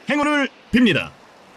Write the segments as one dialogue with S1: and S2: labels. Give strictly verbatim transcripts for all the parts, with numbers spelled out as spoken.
S1: 행운을 빕니다.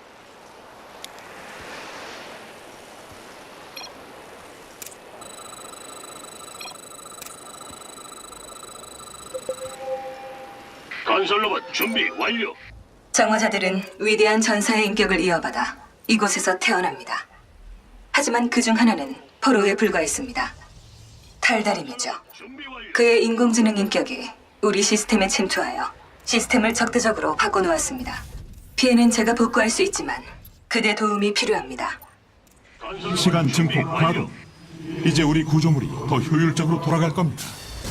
S2: 건설로봇 준비 완료.
S3: 정화자들은 위대한 전사의 인격을 이어받아 이곳에서 태어납니다. 하지만 그 중 하나는 포로에 불과했습니다. 탈다림이죠.
S2: 준비 완료.
S3: 그의 인공지능 인격이 우리 시스템에 침투하여 시스템을 적대적으로 바꿔놓았습니다. 피해는 제가 복구할 수 있지만 그대 도움이 필요합니다.
S2: 건설로봇
S1: 시간
S2: 준비
S1: 증폭
S2: 완료.
S1: 가동. 이제 우리 구조물이 더 효율적으로 돌아갈 겁니다.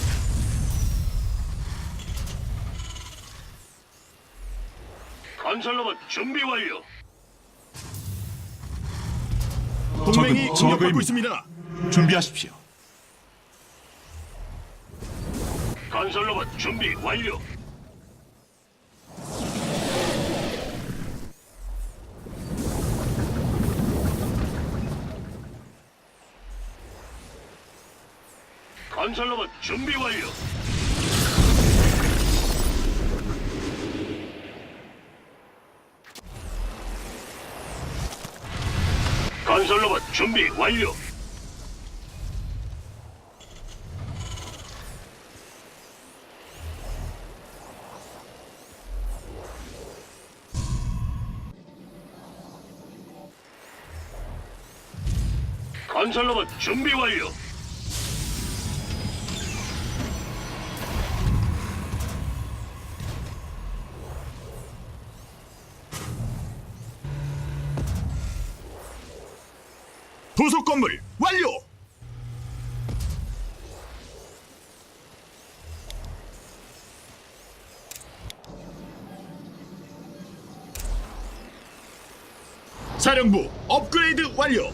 S2: 건설로봇 준비 완료.
S1: 동맹이
S4: 적은
S1: 공격받고
S4: 저그입니다.
S1: 있습니다. 준비하십시오.
S2: 건설로봇 준비 완료. 건설로봇 준비 완료. 건설로봇 준비 완료. 건설로봇 준비 완료.
S1: 도속 건물 완료. 사령부 업그레이드 완료.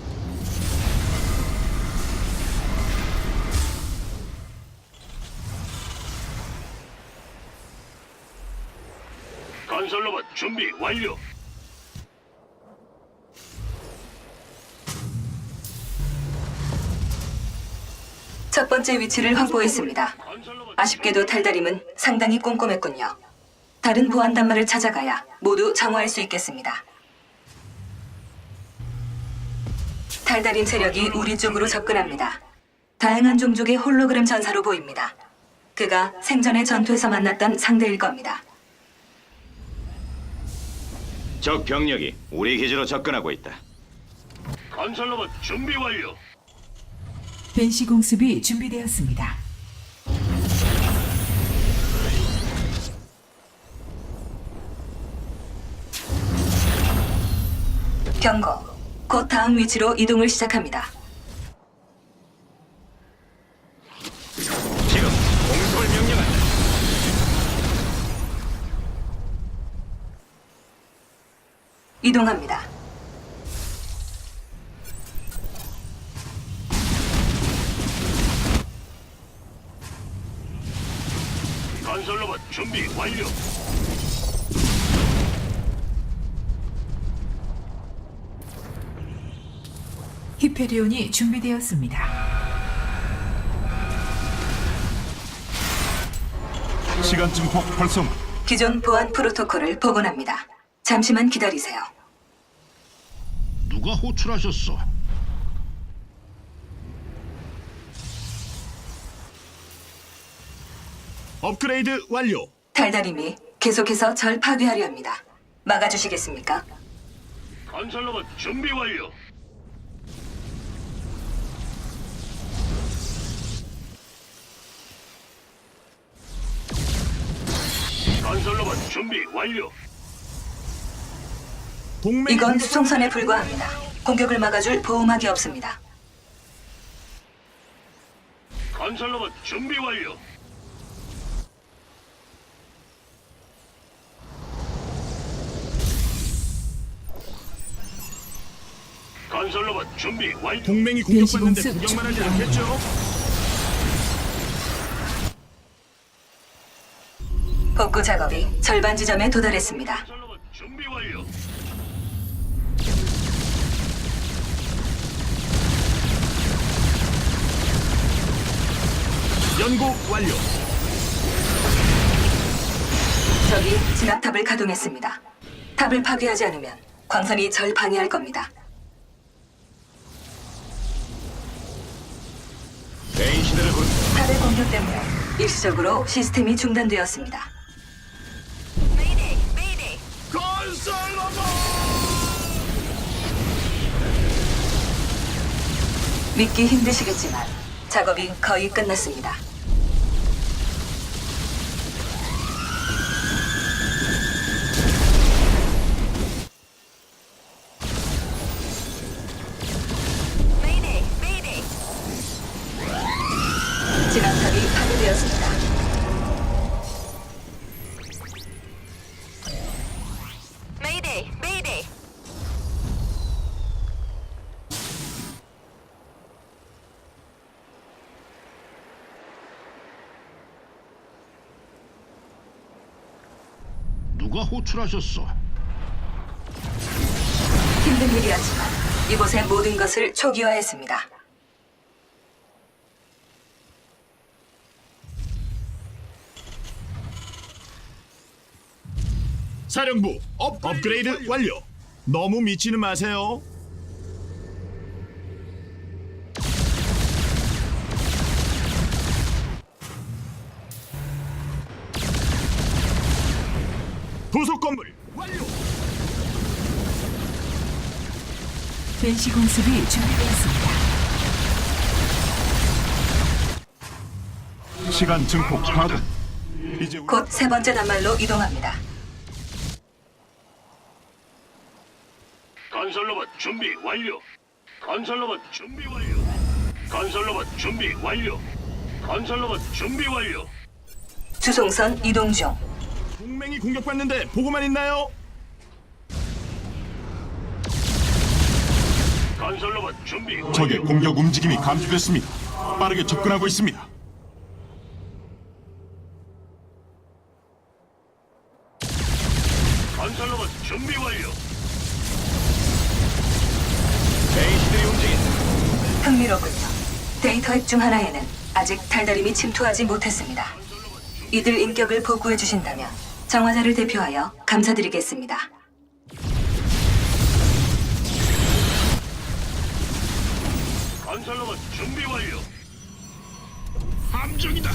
S2: 건설로봇 준비 완료.
S3: 첫 번째 위치를 확보했습니다.
S2: 건설로봇
S3: 아쉽게도 탈다림은 상당히 꼼꼼했군요. 다른 보안 단말을 찾아가야 모두 정화할 수 있겠습니다. 탈다림 세력이 우리 쪽으로 접근합니다. 다양한 종족의 홀로그램 전사로 보입니다. 그가 생전의 전투에서 만났던 상대일 겁니다.
S5: 적 병력이 우리 기지로 접근하고 있다.
S2: 건설로봇 준비 완료.
S6: 벤시 공습이 준비되었습니다.
S3: 경고. 곧 다음 위치로 이동을 시작합니다.
S5: 지금 공습을 명령한다.
S3: 이동합니다.
S2: 건설로봇 준비 완료.
S6: 히페리온이 준비되었습니다.
S1: 시간 증폭 활성화.
S3: 기존 보안 프로토콜을 복원합니다. 잠시만 기다리세요.
S2: 누가 호출하셨어?
S1: 업그레이드 완료.
S3: 달달임이 계속해서 절 파괴하려 합니다. 막아주시겠습니까?
S2: 건설로봇 준비 완료. 건설로봇 준비 완료.
S1: 동맹
S3: 이건 수송선에 불과합니다. 공격을 막아줄 보호막이 없습니다.
S2: 건설로봇 준비 완료. 건설로봇 준비 완료.
S1: 동맹이 공격받는데
S6: 벤시 공습
S1: 구경만 하지
S6: 준비
S1: 않겠죠?
S3: 복구 작업이 절반 지점에 도달했습니다.
S2: 건설로봇 준비 완료.
S1: 연구 완료.
S3: 적이 진압탑을 가동했습니다. 탑을 파괴하지 않으면 광선이 절 방해할 겁니다.
S5: 베인 시대를 부른
S3: 탑의 공격 때문에 일시적으로 시스템이 중단되었습니다. 믿기 힘드시겠지만 작업이 거의 끝났습니다. 진압탑이 파괴되었습니다.
S2: 누가 호출하셨어?
S3: 힘든 일이었지만 이곳의 모든 것을 초기화했습니다.
S4: 사령부 업, 업그레이드 완료. 너무 미치는 마세요. 부속 건물 완료.
S6: 벤시 공습이 준비되었습니다.
S1: 시간 증폭 가동. 이제 우리
S3: 곧 세 번째 단말로 이동합니다.
S2: 건설로봇 준비 완료. 건설로봇 준비 완료. 건설로봇 준비 완료. 건설로봇 준비 완료.
S3: 주송선 이동 중.
S4: 동맹이 공격받는데 보고만 있나요?
S2: 건설로봇 준비 완료.
S1: 적의 공격 움직임이 감지됐습니다. 빠르게 접근하고 있습니다.
S2: 건설로봇 준비 완료.
S5: 베인 시대의 움직임.
S3: 흥미롭군요. 데이터 핵 중 하나에는 아직 달달임이 침투하지 못했습니다. 이들 인격을 복구해 주신다면 정화자를 대표하여 감사드리겠습니다.
S2: 건설로봇 준비 완료. 함정이다.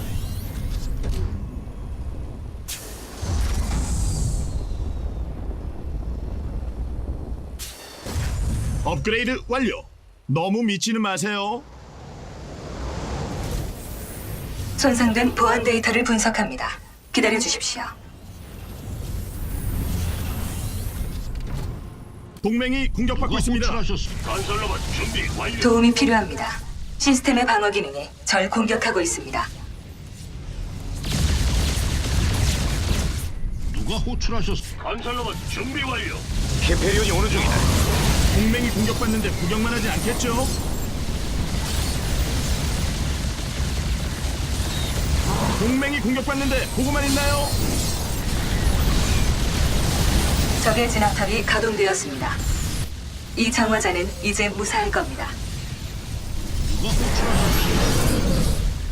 S4: 업그레이드 완료. 너무 미치는 마세요.
S3: 손상된 보안 데이터를 분석합니다. 기다려 주십시오.
S4: 동맹이 공격받고 있습니다.
S2: 건설로봇 준비 완료.
S3: 도움이 필요합니다. 시스템의 방어 기능이 절 공격하고 있습니다.
S2: 누가 호출하셨어? 건설로봇 준비 완료.
S5: 히페리온이 오는 중이다.
S4: 동맹이 공격받는데 구경만 하지 않겠죠? 동맹이 공격받는데 보고만 있나요?
S3: 적의 진압탑이 가동되었습니다. 이 정화자는 이제 무사할 겁니다.
S2: 누가 호출하셨어?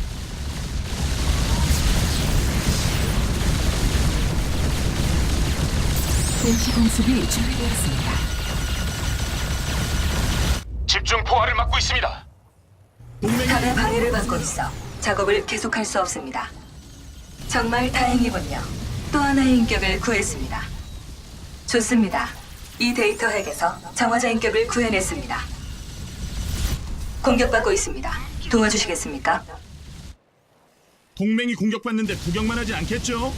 S6: 벤시 공습이 준비되었습니다.
S5: 집중 포화를 막고 있습니다.
S4: 동맹이
S3: 탑의 방해를 받고 있어 작업을 계속할 수 없습니다. 정말 다행이군요. 또 하나의 인격을 구했습니다. 좋습니다. 이 데이터 핵에서 정화자 인격을 구해냈습니다. 공격받고 있습니다. 도와주시겠습니까?
S4: 동맹이 공격받는데 구경만 하지 않겠죠?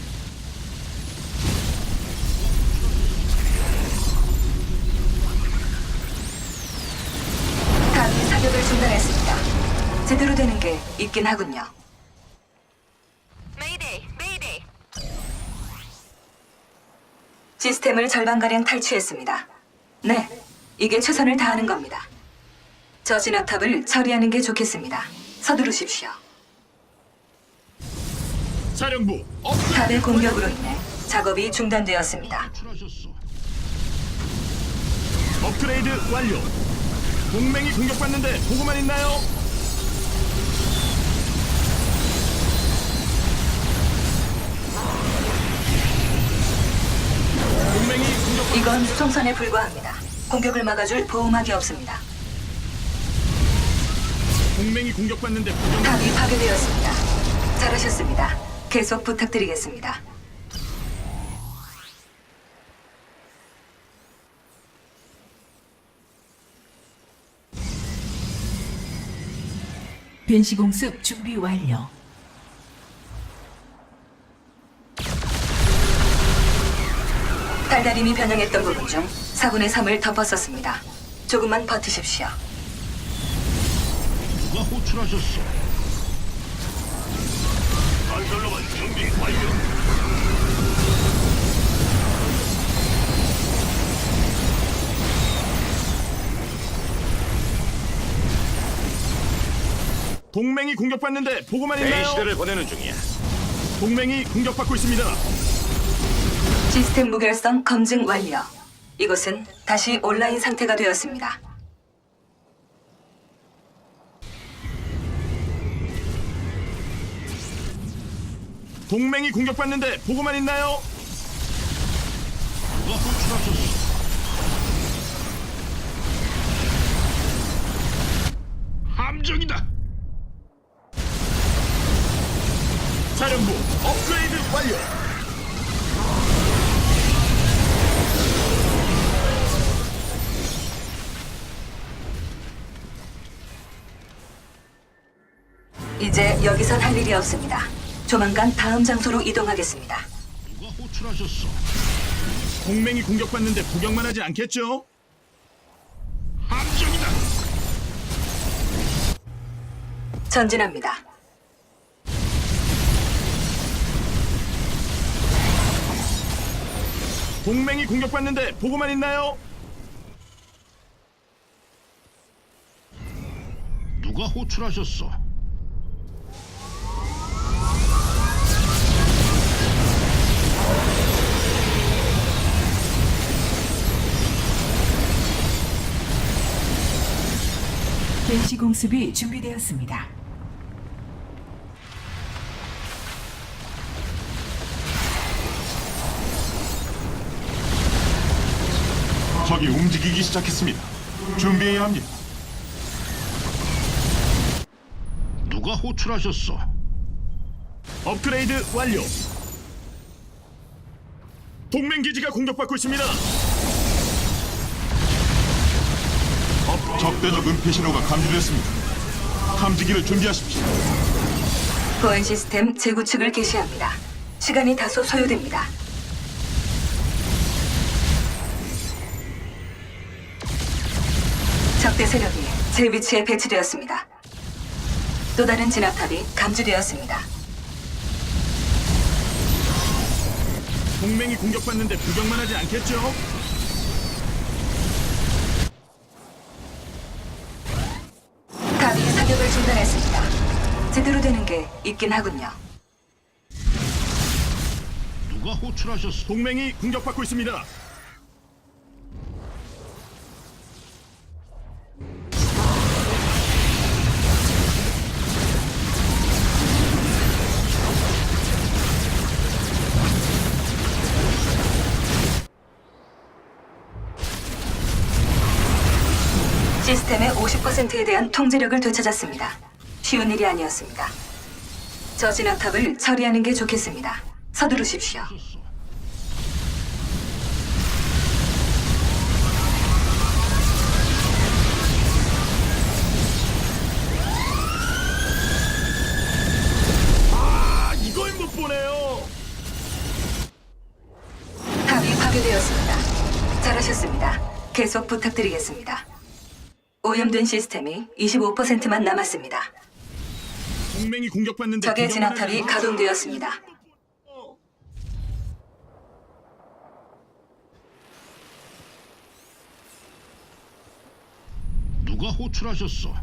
S3: 탑이 사격을 중단했습니다. 제대로 되는 게 있긴 하군요. 시스템을 절반가량 탈취했습니다. 네, 이게 최선을 다하는 겁니다. 저 진압탑을 처리하는 게 좋겠습니다. 서두르십시오.
S4: 사령부 업.
S3: 탑의 공격으로 인해 작업이 중단되었습니다.
S2: 호출하셨어.
S4: 업그레이드 완료. 동맹이 공격받는데 보고만 있나요? 동맹이
S3: 이건 수송선에 불과합니다. 공격을 막아줄 보호막이 없습니다.
S4: 동맹이 공격받는데 부정.
S3: 탑이 파괴되었습니다. 잘하셨습니다. 계속 부탁드리겠습니다.
S6: 벤시 공습 준비 완료.
S3: 달달임이 변형했던 부분 중 사분의 삼을 덮었었습니다. 조금만 버티십시오.
S2: 누가 호출하셨어? 건설로봇 준비 완료.
S4: 동맹이 공격받는데 보고만 있나요?
S5: 베이시드를 보내는 중이야.
S4: 동맹이 공격받고 있습니다.
S3: 시스템 무결성 검증 완료. 이곳은 다시 온라인 상태가 되었습니다.
S4: 동맹이 공격받는데 보고만 있나요?
S2: 누가 호출하셨어? 함정이다.
S4: 사령부 업그레이드 완료.
S3: 이제 여기선 할 일이 없습니다. 조만간 다음 장소로 이동하겠습니다.
S2: 누가 호출하셨어?
S4: 동맹이 공격받는데 구경만 하지 않겠죠?
S2: 함정이다.
S3: 전진합니다.
S4: 동맹이 공격받는데 보고만 있나요?
S2: 누가 호출하셨어?
S6: 벤시 공습이 준비되었습니다.
S1: 적이 움직이기 시작했습니다. 준비해야 합니다.
S2: 누가 호출하셨어?
S4: 업그레이드 완료. 동맹 기지가 공격받고 있습니다.
S1: 적대적 은폐 신호가 감지됐습니다. 탐지기를 준비하십시오.
S3: 보안 시스템 재구축을 개시합니다. 시간이 다소 소요됩니다. 적대 세력이 제 위치에 배치되었습니다. 또 다른 진압탑이 감지되었습니다.
S4: 동맹이 공격받는데 구경만 하지 않겠죠?
S3: 탑이 사격을 중단했습니다. 제대로 되는 게 있긴 하군요.
S2: 누가 호출하셨어?
S4: 동맹이 공격받고 있습니다.
S3: 시스템의 오십 퍼센트에 대한 통제력을 되찾았습니다. 쉬운 일이 아니었습니다. 저 진압탑을 처리하는 게 좋겠습니다. 서두르십시오.
S4: 아, 이걸 못 보네요.
S3: 탑이 파괴되었습니다. 잘하셨습니다. 계속 부탁드리겠습니다. 오염된 시스템이 이십오 퍼센트만 남았습니다.
S4: 동맹이 공격받는데
S3: 적의
S4: 구경만 하지
S3: 진압탑이
S4: 않겠죠?
S3: 가동되었습니다.
S2: 누가 호출하셨어?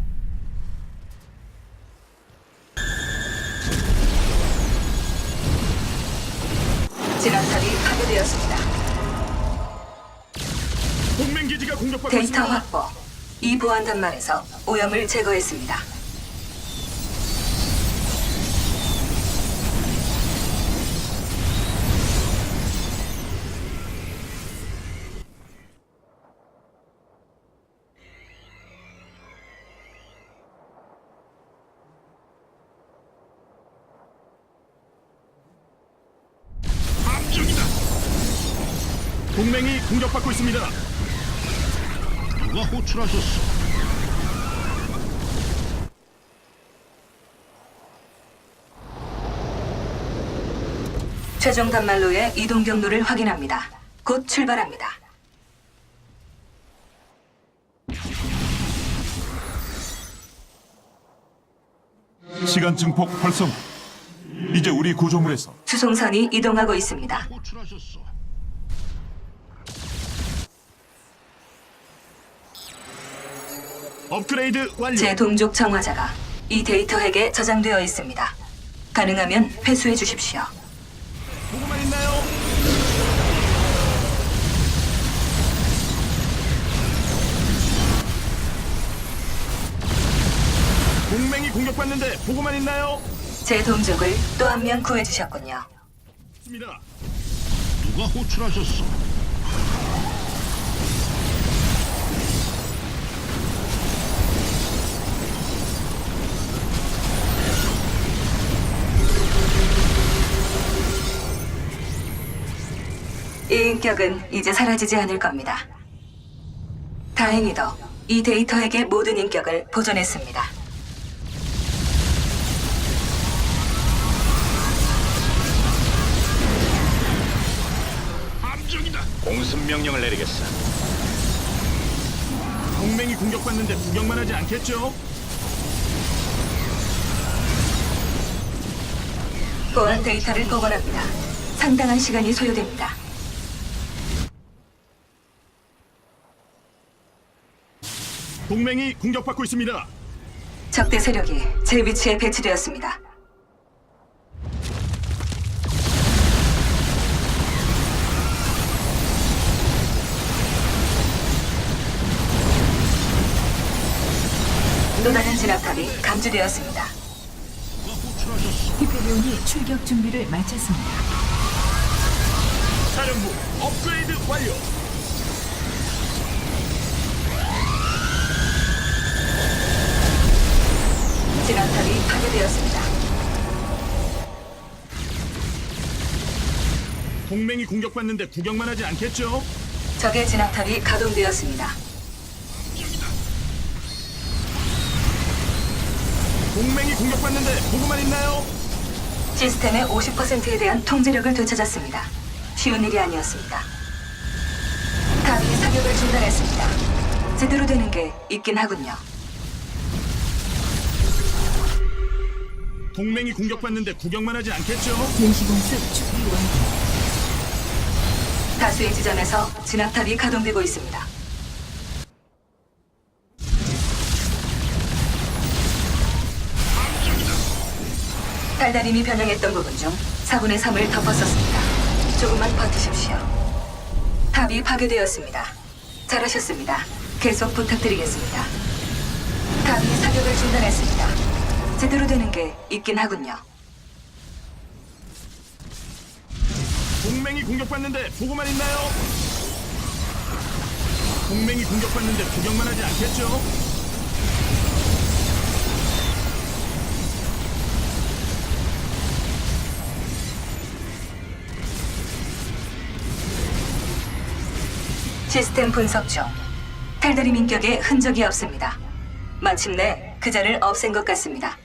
S3: 진압탑이 파괴되었습니다.
S4: 동맹 기지가 공격받고
S3: 데이터
S4: 있습니다.
S3: 확보. 이 보안 단말에서 오염을 제거했습니다.
S4: 동맹이 공격받고 있습니다.
S7: 누가 호출하셨어?
S3: 최종 단말로의 이동 경로를 확인합니다. 곧 출발합니다.
S1: 시간 증폭 활성. 이제 우리 구조물에서
S3: 수송선이 이동하고 있습니다.
S7: 호출하셨어.
S4: 업그레이드 완료.
S3: 제 동족 정화자가 이 데이터 핵에 저장되어 있습니다. 가능하면 회수해 주십시오.
S4: 보고만 있나요? 동맹이 공격받는데 보고만 있나요?
S3: 제 동족을 또 한 명 구해 주셨군요.
S4: 있습니다.
S7: 누가 호출하셨어?
S3: 이 인격은 이제 사라지지 않을 겁니다. 다행히도 이 데이터 핵의 모든 인격을 보존했습니다.
S7: 함정이다.
S5: 공습 명령을 내리겠어.
S4: 동맹이 공격받는데 구경만 하지 않겠죠?
S3: 보안 데이터를 복원합니다. 상당한 시간이 소요됩니다.
S4: 동맹이 공격받고 있습니다.
S3: 적대 세력이 제 위치에 배치되었습니다. 또 다른 진압탑이 감지되었습니다.
S7: 누가 호출하셨어?
S6: 히페리온이 출격 준비를 마쳤습니다.
S4: 사령부 업그레이드 완료.
S3: 진압탑이 파괴되었습니다.
S4: 동맹이 공격받는데 구경만 하지 않겠죠?
S3: 적의 진압탑이 가동되었습니다.
S4: 동맹이 공격받는데 보고만 있나요?
S3: 시스템의 오십 퍼센트에 대한 통제력을 되찾았습니다. 쉬운 일이 아니었습니다. 탑이 사격을 중단했습니다. 제대로 되는 게 있긴 하군요.
S4: 동맹이 공격받는데 구경만 하지 않겠죠?
S6: 벤시공습 준비 완료.
S3: 다수의 지점에서 진압탑이 가동되고 있습니다. 달달임이 변형했던 부분 중 사분의 삼을 덮었었습니다. 조금만 버티십시오. 탑이 파괴되었습니다. 잘하셨습니다. 계속 부탁드리겠습니다. 탑이 사격을 중단했습니다. 제대로 되는 게 있긴 하군요.
S4: 동맹이 공격받는데 보고만 있나요? 동맹이 공격받는데 구경만 하지 않겠죠?
S3: 시스템 분석 중 탈다림 인격에 흔적이 없습니다. 마침내 그 자를 없앤 것 같습니다.